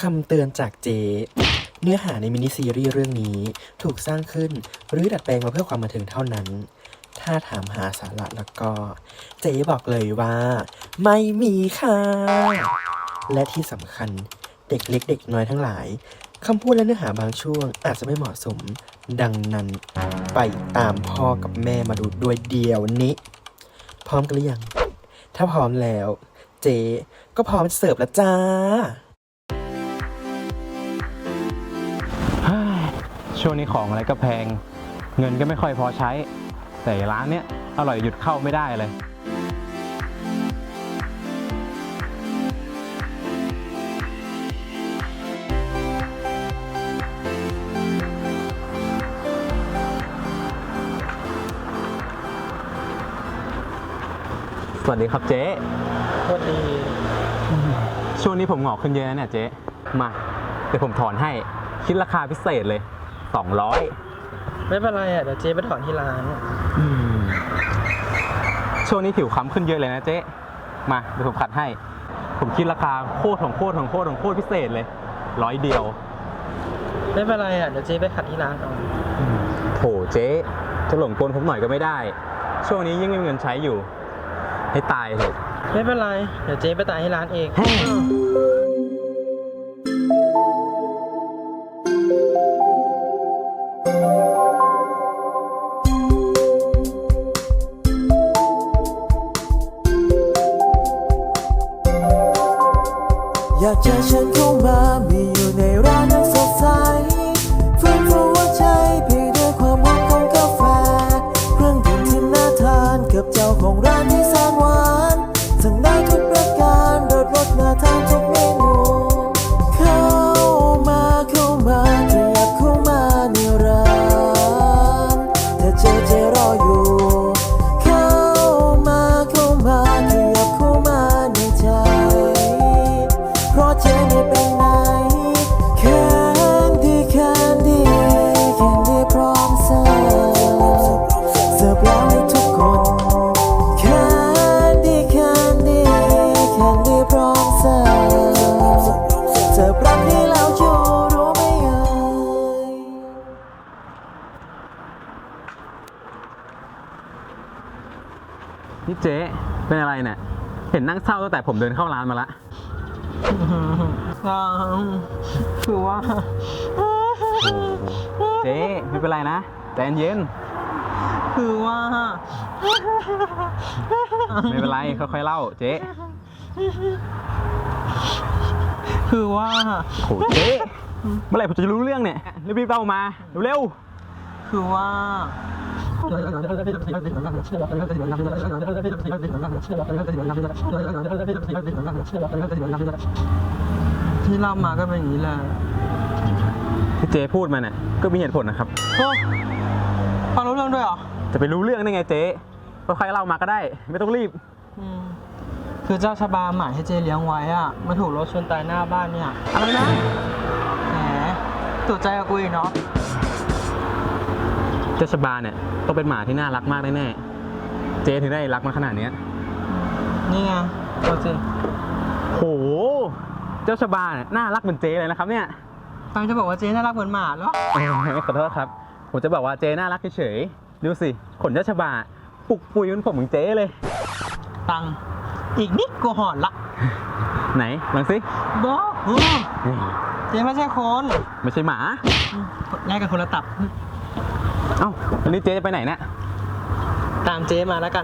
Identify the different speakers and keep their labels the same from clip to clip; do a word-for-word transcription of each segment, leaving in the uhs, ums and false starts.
Speaker 1: คำเตือนจากเจเนื้อหาในมินิซีรีส์เรื่องนี้ถูกสร้างขึ้นหรือดัดแปลงมาเพื่อความบันเทิงเท่านั้นถ้าถามหาสาระแล้วก็เจบอกเลยว่าไม่มีค่ะและที่สำคัญเด็กเล็กเด็กน้อยทั้งหลายคำพูดและเนื้อหาบางช่วงอาจจะไม่เหมาะสมดังนั้นไปตามพ่อกับแม่มาดูด้วยเดียวนี้พร้อมกันหรือยังถ้าพร้อมแล้วเจก็พร้อมเสิร์ฟแล้วจ้า
Speaker 2: ช่วงนี้ของอะไรก็แพงเงินก็ไม่ค่อยพอใช้แต่ร้านเนี้ยอร่อยหยุดเข้าไม่ได้เลยสวัสดีครับเจ๊
Speaker 1: สวัสดี
Speaker 2: ช่วงนี้ผมหงอกขึ้นเยอะเนี่ยเจ๊มาเดี๋ยวผมถอนให้คิดราคาพิเศษเลยสองร้อย
Speaker 1: ไม่เป็นไรอ่ะเดี๋ยวเจ๊ไปถอนที่ร้าน
Speaker 2: ช่วงนี้ผิวค้ำขึ้นเยอะเลยนะเจ๊มาเดี๋ยวผมขัดให้ผมคิดราคาโคตรของโคตรของโคตรของโคตรพิเศษเลยร้อยเดียว
Speaker 1: ไม่เป็นไรอ่ะเดี๋ยวเจ๊ไปขัดที่ร้านเอา
Speaker 2: โถเจ๊จะหลงกลผมหน่อยก็ไม่ได้ช่วงนี้ยิ่งไม่มีเงินใช้อยู่ให้ตายเถอะ
Speaker 1: ไม่เป็นไรเดี๋ยวเจ๊ไปตายที่ร้านเอง
Speaker 3: อยากจะเชิญเข้ามามีอยู่ในร้านนั้นสดใสฟื้นฟูหัวใจเพียงด้วยความหวานของกาแฟเครื่องดื่มที่น่าทานกับเจ้าของร้านที่แสนหวานสั่งได้ทุกประการรสรสน่าทานทุกเมนูเข้ามาเข้ามาขยับเข้ามาในร้านถ้าเจอเจรออยู่เข้ามาเข้ามาขยับเข้ามาในใจเพราะเจไม่เป็นไหนแค่ดีแค่ดีแค่ดีพร้อมเสิร์ฟเสิร์ฟแล้วให้ทุกคนแค่ดีแค่ดีแค่ดีพร้อมเสิร์ฟเสิร์ฟรักนี้แล้วจะรู้ไหมเอ่ย
Speaker 2: นี่เจ๊เป็นอะไรเนี่ยเห็นนั่งเศร้าตั้งแต่ผมเดินเข้าร้านมาละ
Speaker 1: คือว่า
Speaker 2: เจ๊ไม่เป็นไรนะใจเย็น
Speaker 1: คือว่า
Speaker 2: ไม่เป็นไรค่อยๆเล่าเจ๊
Speaker 1: คือว่า
Speaker 2: โหเจ๊เมื่อไหร่ผมจะรู้เรื่องเนี่ยรีบๆเล่ามาเร็ว
Speaker 1: ๆคือว่าที่เล่ามาก็เป็นอย่างนี้แหละ
Speaker 2: ที่เจ๊พูดมาเนี่ยก็มีเหตุผลนะครับ
Speaker 1: โอ้ฟังรู้เรื่องด้วยเหรอ
Speaker 2: จะไปรู้เรื่องได้ไงเจ๊ค่อยๆเล่ามาก็ได้ไม่ต้องรีบ
Speaker 1: คือเจ้าชบาหมายให้เจ๊เลี้ยงไว้อ่ะมาถูกรถชนตายหน้าบ้านเนี่ย
Speaker 2: อะไรนะ
Speaker 1: แหมตัวใจกับกูอีกเนาะ
Speaker 2: เจ้าชบาเนี่ยต้องเป็นหมาที่น่ารักมากแน่ๆเจ๊ถึงได้รักมันขนาดนี้
Speaker 1: นี่ไงตัวจริง
Speaker 2: โหเจ้าชบาเนี่ยน่ารักเหมือนเจ๊เลยนะครับเนี่ย
Speaker 1: ตังจะบอกว่าเจ๊น่ารักเหมือนหมาเหรอ
Speaker 2: ขอโทษครับผมจะบอกว่าเจ๊น่ารักเฉยๆดูสิขนเจ้าชบาปุกปุยเหมือนผมเหมือนเจ๊เลย
Speaker 1: ตังอีกนิดกูหอนละ
Speaker 2: ไหนลองสิ
Speaker 1: บอกเจ๊ไม่ใช่คน
Speaker 2: ไม่ใช่หมา
Speaker 1: แยกกันคนละตับ
Speaker 2: เอ้าวันนี้เจ๊จะไปไหนเนี่ย
Speaker 1: ตามเจ๊มาแล้วกัน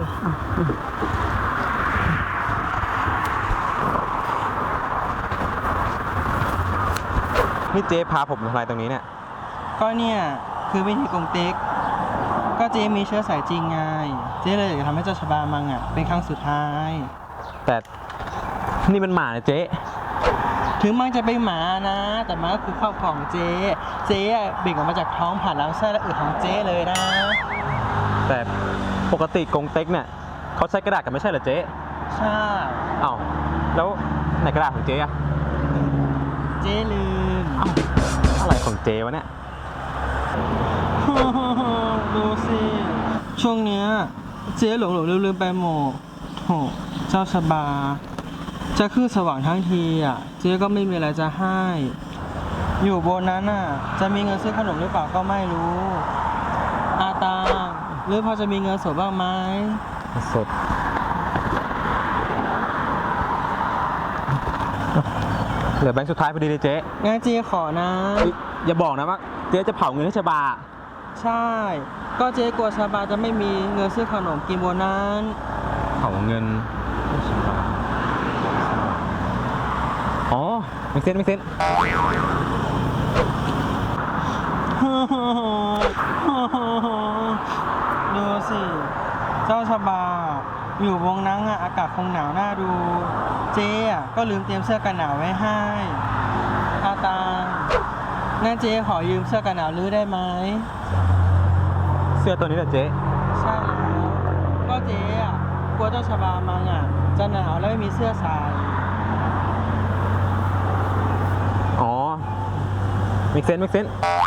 Speaker 2: นี่เจ๊พาผมมาทำอะไรตรงนี้เนี่ย
Speaker 1: ก็เนี่ยคือวิธีกงเต็กก็เจ๊มีเชื้อสายจริงไงเจ๊เลยอยากจะทำให้เจ้าชบามังอ่ะเป็นครั้งสุดท้าย
Speaker 2: แต่นี่มันหมาเนี่ยเจ๊
Speaker 1: ถึงมันจะเป็นหมานะแต่มันก็คือครอบครองเจ๊เจ๊เบ่งออกมาจากท้องผ่านลำไส้และอึของเจ๊เลยนะ
Speaker 2: แต่ปกติกงเต็กเนี่ยเขาใช้กระดาษกันไม่ใช่เหรอเจ๊
Speaker 1: ใช่
Speaker 2: เอ้าแล้วไหนกระดาษของเจ๊อะ
Speaker 1: เจ๊ลืม
Speaker 2: อะไรของเจ๊วะเนี่ย
Speaker 1: ดูสิช่วงเนี้ยเจ๊หลงหลงลืมลืมไปหมดโถเจ้าชบา
Speaker 4: จะขึ้นสว่างทั้งทีอ่ะ เจ๊ก็ไม่มีอะไรจะให้ อยู่บนนั้นอ่ะ จะมีเงินซื้อขนมหรือเปล่าก็ไม่รู้ อาตาหรือพอจะมีเงินสดบ้างไหม
Speaker 2: สดเหลือแบงค์สุดท้ายพอดีเลยเจ๊
Speaker 4: งั้นเจ๊ขอนะ
Speaker 2: อย่าบอกนะว่าเจ๊จะเผาเงินให้ชบา
Speaker 4: ใช่ ก็เจ๊กลัวชาบาจะไม่มีเงินซื้อขนมกินบนนั้น
Speaker 2: เผาเงินให้ชบาอ๋อไม่เซ็นไม่เซ็น
Speaker 4: ดูสิ เจ้าชาบา อยู่วงนั้นอ่ะ อากาศคงหนาวน่าดู เจ๊อ่ะก็ลืมเตรียมเสื้อกันหนาวไว้ให้อาตางั้นเจ๊ขอยืมเสื้อกันหนาวลื้อได้ไหม
Speaker 2: เสื้อตัวนี้แหละเจ๊
Speaker 4: ใช่แล้ว ก็เจ๊อ่ะกลัวเจ้าชาบามังอ่ะ จะหนาวแล้วไม่มีเสื้อใส่
Speaker 2: อ๋อไม่เซ็นไม่เซ็น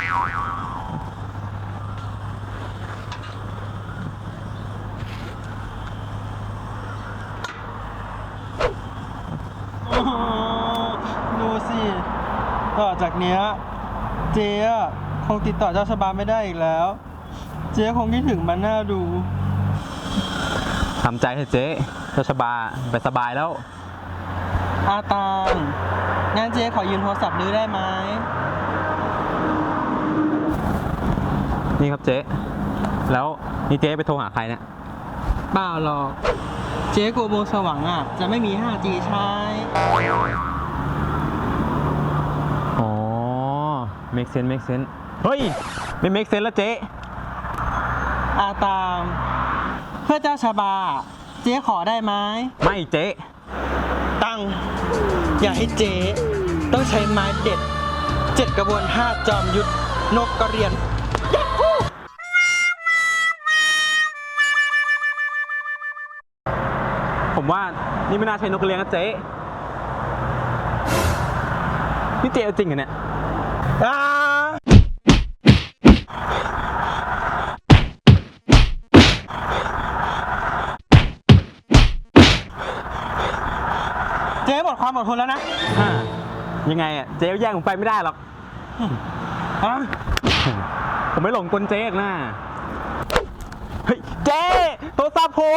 Speaker 4: ดูสิ ต่อจากเนี้ยเจ๊อะคงติดต่อเจ้าชาบาไม่ได้อีกแล้ว เจ๊คงคิดถึงมันน่าดู
Speaker 2: ทำใจเถอะเจ๊เจ้าชบาไปสบายแล้ว
Speaker 4: อาตางงั้นเจ๊ขอยืมโทรศัพท์ลื้อได้ไหม
Speaker 2: นี่ครับเจ๊แล้วนี่เจ๊ไปโทรหาใครเนี่ย
Speaker 4: เปล่าหรอก เจ๊กลัววงสว่างอ่ะ จะไม่มี ห้าจี ใช้
Speaker 2: อ๋อ make sense make sense เฮ้ย ไม่ make sense แล้วเจ๊
Speaker 4: อาตามเพื่อเจ้าชาบา เจ๊ขอได้ไหม
Speaker 2: ไม่เจ๊
Speaker 4: ตั้ง อย่าให้เจ๊ต้องใช้ไม้เด็ด เจ็ดกระบวนห้าจอมยุทธนกกระเรียน
Speaker 2: ผมว่านี่ไม่น่าใช่นกกระเรียนนะเจ๊นี่เจ๊เอาจริงเหรอเนี่ย
Speaker 4: อ่าเจ๊หมดความอดทนแล้วนะ
Speaker 2: อ่ายังไงอ่ะเจ๊แย่งผมไปไม่ได้หรอก
Speaker 4: ฮะ
Speaker 2: ผมไม่หลงกลเจ๊หรอกนะเฮ้ยเจ๊โทรศัพท์ผม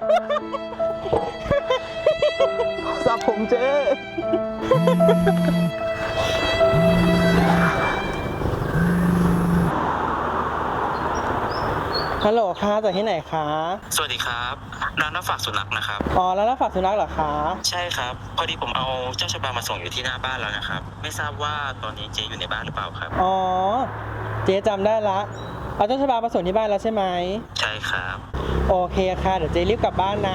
Speaker 2: โทรศัพท์ผมเจ๊
Speaker 4: ฮัลโหลคะจากที่ไหนคะ
Speaker 5: สวัสดีครับร้านรับฝากสุนัขนะครับ
Speaker 4: อ๋อ แล้วรับฝากสุนัขเหรอคะ
Speaker 5: ใช่ครับ พอดีผมเอาเจ้าชบามาส่งอยู่ที่หน้าบ้านแล้วนะครับ ไม่ทราบว่าตอนนี้เจ๊อยู่ในบ้านหรือเปล่าครับ
Speaker 4: อ๋อ เจ๊จำได้ละ เอาเจ้าชบามาส่งที่บ้านแล้วใช่ไหม
Speaker 5: ใช่ครับ
Speaker 4: โอเคค่ะ เดี๋ยวเจ๊รีบกลับบ้านนะ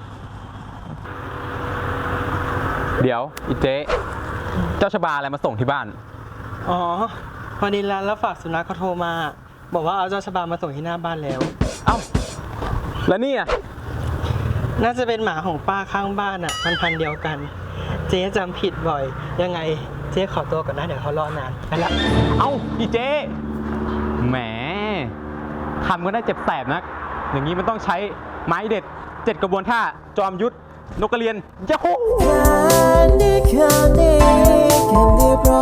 Speaker 2: เดี๋ยวอีเจ๊เจ้าชบาอะไรมาส่งที่บ้าน
Speaker 4: อ๋อ พอดีร้านรับฝากสุนัขเขาโทรมา บอกว่าเอาเจ้าชบามาส่งที่หน้าบ้านแล้ว
Speaker 2: เอ้า แล้วนี่อ่ะ
Speaker 4: น่าจะเป็นหมาของป้าข้างบ้านอ่ะ มันพันธุ์เดียวกัน เจ๊จำผิดบ่อย ยังไงเจ๊ขอตัวก่อนนะเดี๋ยวเขารอนานไปละ
Speaker 2: เอ้าอีเจ๊แหมทำก็ได้เจ็บแสบนัก อย่างนี้มันต้องใช้ไม้เด็ดเจ็ดกระบวนท่า จอมยุทธนกกระเรียนยะฮู
Speaker 3: แค่นี้แค่นี้แค่นี้เพราะ